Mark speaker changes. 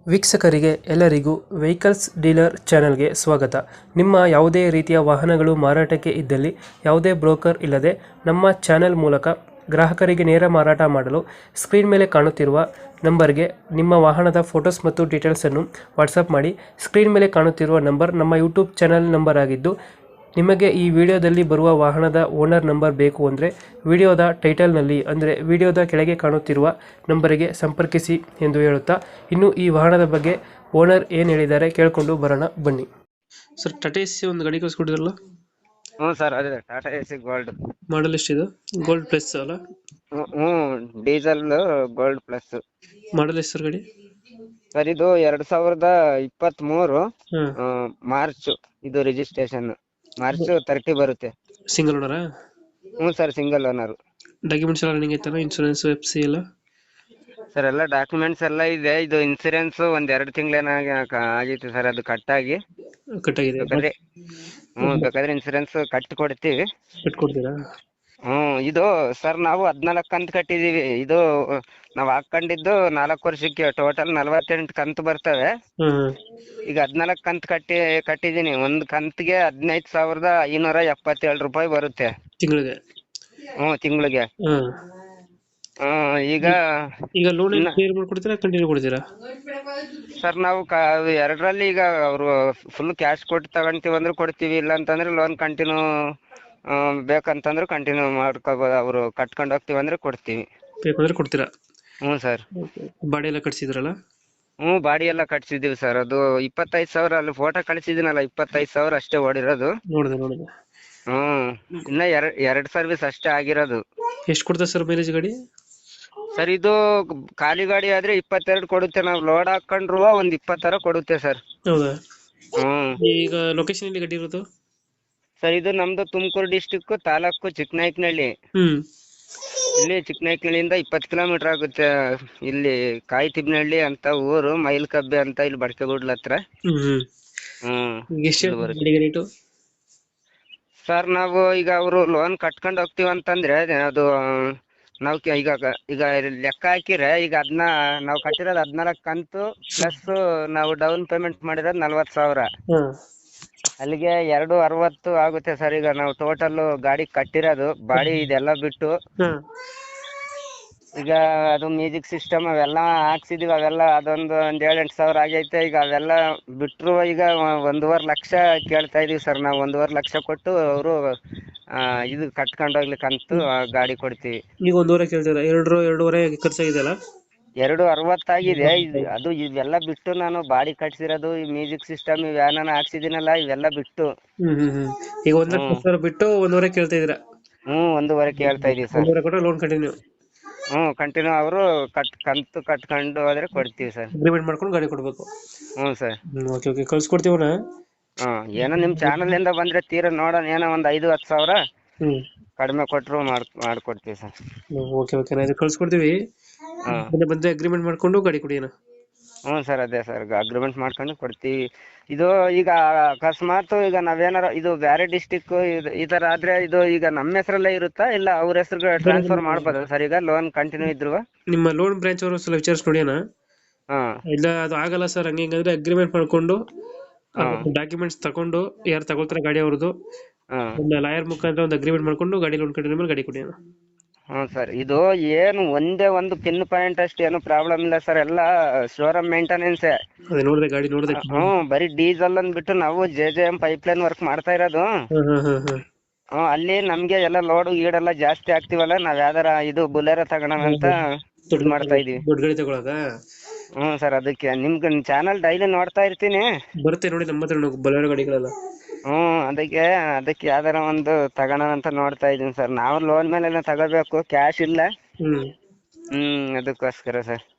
Speaker 1: ವೀಕ್ಷಕರಿಗೆ ಎಲ್ಲರಿಗೂ vehicles dealer ಚಾನೆಲ್ಗೆ ಸ್ವಾಗತ. ನಿಮ್ಮ ಯಾವುದೇ ರೀತಿಯ ವಾಹನಗಳು ಮಾರಾಟಕ್ಕೆ ಇದ್ದಲ್ಲಿ ಯಾವುದೇ ಬ್ರೋಕರ್ ಇಲ್ಲದೆ ನಮ್ಮ ಚಾನೆಲ್ ಮೂಲಕ ಗ್ರಾಹಕರಿಗೆ ನೇರ ಮಾರಾಟ ಮಾಡಲು ಸ್ಕ್ರೀನ್ ಮೇಲೆ ಕಾಣುತ್ತಿರುವ ನಂಬರ್ಗೆ ನಿಮ್ಮ ವಾಹನದ ಫೋಟೋಸ್ ಮತ್ತು ಡೀಟೇಲ್ಸನ್ನು ವಾಟ್ಸಪ್ ಮಾಡಿ. ಸ್ಕ್ರೀನ್ ಮೇಲೆ ಕಾಣುತ್ತಿರುವ ನಂಬರ್ ನಮ್ಮ ಯೂಟ್ಯೂಬ್ ಚಾನೆಲ್ ನಂಬರ್ ಆಗಿದ್ದು, ನಿಮಗೆ ಈ ವಿಡಿಯೋದಲ್ಲಿ ಬರುವ ವಾಹನದ ಓನರ್ ನಂಬರ್ ಬೇಕು ಅಂದರೆ ವಿಡಿಯೋದ ಟೈಟಲ್ನಲ್ಲಿ ಅಂದರೆ ವಿಡಿಯೋದ ಕೆಳಗೆ ಕಾಣುತ್ತಿರುವ ನಂಬರಿಗೆ ಸಂಪರ್ಕಿಸಿ ಎಂದು ಹೇಳುತ್ತಾ, ಇನ್ನು ಈ ವಾಹನದ ಬಗ್ಗೆ ಓನರ್ ಏನು ಹೇಳಿದ್ದಾರೆ ಕೇಳಿಕೊಂಡು ಬರೋಣ ಬನ್ನಿ. ಸರ್, ಟಾಟಾ ಎಸಿ ಒಂದು ಗಾಡಿ ಕಳಿಸ್ಕೊಟ್ಟಿದ್ರಲ್ಲ?
Speaker 2: ಹ್ಞೂ ಸರ್, ಅದೇ ಟಾಟಾ ಎಸಿ ಗೋಲ್ಡ್.
Speaker 1: ಮಾಡಲ್ ಎಷ್ಟಿದೆ? ಗೋಲ್ಡ್ ಪ್ಲಸ್ ಅಲ್ಲ?
Speaker 2: ಹ್ಞೂ, ಡೀಸೆಲ್ ಗೋಲ್ಡ್ ಪ್ಲಸ್.
Speaker 1: ಮಾಡಲ್ ಎಷ್ಟು ಸರ್ ಗಾಡಿ?
Speaker 2: ಸರ್, ಇದು 2023
Speaker 1: ಹಾಂ.
Speaker 2: ಮಾರ್ಚ್ ಇದು ರಿಜಿಸ್ಟ್ರೇಷನ್. ಮಾರ್ಚ್ 30 ಬರುತ್ತೆ.
Speaker 1: ಸಿಂಗಲ್ ಓನರಾ?
Speaker 2: ಹ್ಞೂ ಸರ್, ಸಿಂಗಲ್ ಓನರ್.
Speaker 1: ಡಾಕ್ಯುಮೆಂಟ್ಸ್ ಎಲ್ಲ ರನ್ನಿಂಗ್ ಐತಲ್ಲ? ಇನ್ಶೂರೆನ್ಸ್, FC ಎಲ್ಲ?
Speaker 2: ಸರ್, ಎಲ್ಲ ಡಾಕ್ಯುಮೆಂಟ್ಸ್ ಎಲ್ಲ ಇದೆ. ಇದು ಇನ್ಸೂರೆನ್ಸ್ ಒಂದ್ 2 ತಿಂಗಳೇನಾಗಿ ಆಗಿತ್ತು ಸರ್, ಅದು ಕಟ್ಟಾಗಿ.
Speaker 1: ಕಟ್ಟಾಗಿದೆ?
Speaker 2: ಬೇಕಾದ್ರೆ ಇನ್ಸೂರೆನ್ಸ್ ಕಟ್ಟಿ ಕೊಡ್ತೀವಿ.
Speaker 1: ಕಟ್ಕೊಡ್ತೀರಾ?
Speaker 2: ಇದು ಸರ್, ನಾವು 14 ಕಂತು ಕಟ್ಟಿದೀವಿ. ಇದು ನಾವ್ ಹಾಕೊಂಡಿದ್ದು 4 ವರ್ಷಕ್ಕೆ ಟೋಟಲ್ 48 ಕಂತು ಬರ್ತವೆ.
Speaker 1: ಹಾಂ.
Speaker 2: ಈಗ 14 ಕಂತು ಕಟ್ಟಿದೀನಿ. ಒಂದ್ ಕಂತಿಗೆ 15,577 ರೂಪಾಯಿ ಬರುತ್ತೆ
Speaker 1: ತಿಂಗಳಿಗೆ?
Speaker 2: ತಿಂಗಳಿಗೆ. ಈಗ
Speaker 1: ಈಗ ಲೋನ್ ಕ್ಲಿಯರ್ ಮಾಡ್ಕೊಡ್ತೀರಾ, ಕಂಟಿನ್ಯೂ ಕೊಡ್ತೀರಾ?
Speaker 2: ಸರ್, ನಾವು ಎರಡರಲ್ಲಿ ಈಗ ಅವರು ಫುಲ್ ಕ್ಯಾಶ್ ಕೊಟ್ಟು ತಗೊಂತೀವಿ ಅಂದ್ರೆ ಕೊಡ್ತೀವಿ, ಇಲ್ಲ ಅಂತಂದ್ರೆ ಲೋನ್ ಕಂಟಿನ್ಯೂ ಬೇಕಂತಂದ್ರೆ ಕಂಟಿನ್ಯೂ ಮಾಡ್ಕೋಬಹುದು. ಅವರು ಕಟ್ಕೊಂಡು ಹೋಗ್ತೀವಿ ಅಂದ್ರೆ ಕೊಡ್ತೀವಿ.
Speaker 1: ಬೇಕಂದ್ರೆ ಕೊಡ್ತೀರಾ?
Speaker 2: ಹ್ಞೂ ಸರ್.
Speaker 1: ಬಾಡಿ ಎಲ್ಲ ಕಟ್ಸಿದ್ರಲ್ಲ?
Speaker 2: ಬಾಡಿ ಎಲ್ಲ ಕಟ್ಸಿದೀವಿ ಸರ್. ಅದು 25,000 ಅಲ್ಲಿ ಫೋಟೋ ಕಳಿಸಿದಿನಲ್ಲ, 25,000 ಅಷ್ಟೇ ಓಡಿರೋದು.
Speaker 1: ನೋಡಿದೆ.
Speaker 2: ಇನ್ನ ಎರಡ್ ಸರ್ವಿಸ್ ಅಷ್ಟೇ ಆಗಿರೋದು.
Speaker 1: ಎಷ್ಟು ಕೊಡ್ತದೆ ಸರ್ ಮೈಲೇಜ್ ಗಾಡಿ?
Speaker 2: ಸರ್, ಇದು ಖಾಲಿ ಗಾಡಿ ಆದ್ರೆ 22 ಕೊಡುತ್ತೆ. ನಾವು ಲೋಡ್ ಹಾಕೊಂಡ್ರು ಒಂದ್ 20 ಕೊಡುತ್ತೆ ಸರ್.
Speaker 1: ಹೌದಾ? ಈಗ ಲೊಕೇಶನ್ ಎಲ್ಲಿ ಗಾಡಿ ಇರೋದು?
Speaker 2: ಸರ್, ಇದು ನಮ್ದು ತುಮಕೂರು ಡಿಸ್ಟಿಕ್, ತಾಲೂಕು ಚಿಕ್ಕನಾಯಕನಹಳ್ಳಿ. ಇಲ್ಲಿ ಚಿಕ್ಕನಾಯಕನಹಳ್ಳಿಯಿಂದ 20 ಕಿಲೋಮೀಟರ್ ಆಗುತ್ತೆ. ಇಲ್ಲಿ ಕಾಯಿತಿಬ್ನಹಳ್ಳಿ ಅಂತ ಊರು, ಮೈಲ್ಕಬ್ಬೆ ಅಂತ ಇಲ್ಲಿ ಬಡಕೆಗೂಡ್ಲ ಹತ್ರ. ಸರ್, ನಾವು ಈಗ ಅವರು ಲೋನ್ ಕಟ್ಕೊಂಡು ಹೋಗ್ತೀವಿ ಅಂತಂದ್ರೆ ಅದು ನಾವು ಈಗ ಲೆಕ್ಕ ಹಾಕಿದ್ರೆ, ಈಗ ನಾವು ಕಟ್ಟಿರೋದು 14 ಕಂತು ಪ್ಲಸ್ ನಾವು ಡೌನ್ ಪೇಮೆಂಟ್ ಮಾಡಿರೋದು 40,000. ಅಲ್ಲಿಗೆ 260 ಆಗುತ್ತೆ ಸರ್. ಈಗ ನಾವು ಟೋಟಲ್ ಗಾಡಿ ಕಟ್ಟಿರೋದು ಬಾಡಿ ಇದೆಲ್ಲ ಬಿಟ್ಟು, ಈಗ ಅದು ಮ್ಯೂಸಿಕ್ ಸಿಸ್ಟಮ್ ಅವೆಲ್ಲ ಹಾಕ್ಸಿದೀವಿ. ಅವೆಲ್ಲ ಅದೊಂದು 7-8 ಸಾವಿರ ಆಗೈತೆ. ಈಗ ಅವೆಲ್ಲ ಬಿಟ್ರು ಈಗ 1.5 ಲಕ್ಷ ಕೇಳ್ತಾ ಇದೀವಿ ಸರ್. ನಾವು 1.5 ಲಕ್ಷ ಕೊಟ್ಟು ಅವರು ಇದು ಕಟ್ಕೊಂಡೋಗ್ಲಿಕ್ಕಂತೂ ಗಾಡಿ ಕೊಡ್ತೀವಿ.
Speaker 1: ಈಗ 1.5 ಕೇಳ್ತೀರಾ? 2.5 ಖರ್ಚಾಗಿದೆಯಲ್ಲ?
Speaker 2: 260 ಆಗಿದೆ. ಅದು ಇವೆಲ್ಲ ಬಿಟ್ಟು ನಾನು ಬಾಡಿ ಕಟ್ಸಿರೋದು, ಈ ಮ್ಯೂಸಿಕ್ ಸಿಸ್ಟಮ್ ಇವೇನ ಹಾಕ್ಸಿದಿನಲ್ಲ, ಇವೆಲ್ಲ ಬಿಟ್ಟು.
Speaker 1: ಈಗ 1 ಲಕ್ಷ ಬಿಟ್ಟು 1.5 ಕೇಳ್ತಾ ಇದೀರಾ?
Speaker 2: 1.5 ಕೇಳ್ತಾ ಇದೀವಿ ಸರ್.
Speaker 1: 1.5 ಕೊಟ್ಟರೆ ಲೋನ್ ಕಂಟಿನ್ಯೂ?
Speaker 2: ಕಂಟಿನ್ಯೂ ಅವರು ಕಂತು ಕಟ್ಕೊಂಡು ಹೋದ್ರೆ ಕೊಡ್ತೀವಿ ಸರ್.
Speaker 1: ಅಗ್ರಿಮೆಂಟ್ ಮಾಡ್ಕೊಂಡು ಗಾಡಿ ಕೊಡ್ಬೇಕು?
Speaker 2: ಸರ್.
Speaker 1: ಓಕೆ, ಕಳ್ಸಿಕೊಡ್ತೀವಣ್ಣ.
Speaker 2: ಏನೋ ನಿಮ್ ಚಾನಲ್ ಇಂದ ಬಂದ್ರೆ ತೀರಾ ನೋಡೋಣ, ಏನೋ ಒಂದ್ 5-10 ಸಾವಿರ ಕಡಿಮೆ ಕೊಟ್ರು ಮಾಡ್ಕೊಡ್ತೀವಿ ಸರ್.
Speaker 1: ಓಕೆ, ನಾ ಇದು ಕಳ್ಸಿಕೊಡ್ತೀವಿ. ಬಂದ್ರೆ ಅಗ್ರಿಮೆಂಟ್ ಮಾಡ್ಕೊಂಡು ಗಾಡಿ ಕೊಡಿ.
Speaker 2: ಸರ್, ಅದೇ ಸರ್, ಅಗ್ರಿಮೆಂಟ್ ಮಾಡ್ಕೊಂಡು ಕೊಡ್ತೀವಿ. ಇದು ಈಗ ಅಕಸ್ಮಾತ್ ಈಗ ನಾವೇನಾರ ಇದು ಬೇರೆ ಡಿಸ್ಟಿಕ್ ಈ ತರ ಆದ್ರೆ, ಇದು ಈಗ ನಮ್ಮ ಹೆಸರಲ್ಲೇ ಇರುತ್ತಾ ಇಲ್ಲ ಅವ್ರ ಹೆಸರು ಟ್ರಾನ್ಸ್ಫರ್ ಮಾಡ್ಬೋದಾ ಸರ್? ಈಗ ಲೋನ್ ಕಂಟಿನ್ಯೂ ಇದ್ರು
Speaker 1: ನಿಮ್ಮ ಲೋನ್ ಬ್ರಾಂಚ್ ಅವರು ಸ್ವಲ್ಪ ವಿಚಾರಿಸಿ ನೋಡಿ ಅಣ್ಣ. ಇಲ್ಲ ಅದು ಆಗಲ್ಲ ಸರ್, ಹಂಗಂದ್ರೆ ಅಗ್ರಿಮೆಂಟ್ ಮಾಡ್ಕೊಂಡು ಡಾಕ್ಯುಮೆಂಟ್ಸ್ ತಗೊಂಡು, ಯಾರು ತಗೊಳ್ತಾರೆ ಗಾಡಿ ಅವ್ರದ್ದು, ಲಾಯರ್ ಮುಖಾಂತರ ಒಂದು ಅಗ್ರಿಮೆಂಟ್ ಮಾಡ್ಕೊಂಡು ಗಾಡಿ ಲೋನ್ ಕಂಟಿನ್ಯೂ ಮೇಲೆ ಗಾಡಿ ಕೊಡಿ.
Speaker 2: ಸರ್, ಇದು ಏನು ಒಂದೇ ಒಂದು ಪಿನ್ ಪಾಯಿಂಟ್ ಅಷ್ಟು ಏನು ಪ್ರಾಬ್ಲಮ್ ಇಲ್ಲ ಸರ್. ಎಲ್ಲ ಶೋರೂಮ್ ಮೇಂಟೆನೆನ್ಸ್.
Speaker 1: ನೋಡಿದೆ ಗಾಡಿ ನೋಡಿದೆ.
Speaker 2: ಬರೀ ಡೀಸೆಲ್ ಅಂದ್ಬಿಟ್ಟು ನಾವು JJM ಪೈಪ್ಲೈನ್ ವರ್ಕ್ ಮಾಡ್ತಾ ಇರೋದು. ಅಲ್ಲಿ ನಮ್ಗೆ ಎಲ್ಲ ಲೋಡ್ ಗೀಡೆಲ್ಲ ಜಾಸ್ತಿ ಆಗ್ತಿವಲ್ಲ, ನಾವ್ ಯಾವ್ದಾರ ಇದು ಬುಲೆರೋ ತಗೋಣ ಅಂತ ಮಾಡ್ತಾ ಇದೀವಿ.
Speaker 1: ದೊಡ್ಡ ಗಾಡಿ ತಗೊಳಕ?
Speaker 2: ಸರ್, ಅದಕ್ಕೆ ನಿಮ್ಗೆ ಚಾನಲ್ ಡೈಲಿ ನೋಡ್ತಾ ಇರ್ತೀನಿ.
Speaker 1: ಬರುತ್ತೆ ನೋಡಿ ನಮ್ಮ ಹತ್ರ ಬುಲೆರೋ ಗಾಡಿಗಳೆಲ್ಲ.
Speaker 2: ಅದಕ್ಕೆ ಯಾವ್ದಾರ ಒಂದು ತಗೋಣ ಅಂತ ನೋಡ್ತಾ ಇದೀನಿ ಸರ್. ನಾವು ಲೋನ್ ಮೇಲೆ ತಗೋಬೇಕು, ಕ್ಯಾಶ್ ಇಲ್ಲ. ಅದಕ್ಕೋಸ್ಕರ ಸರ್.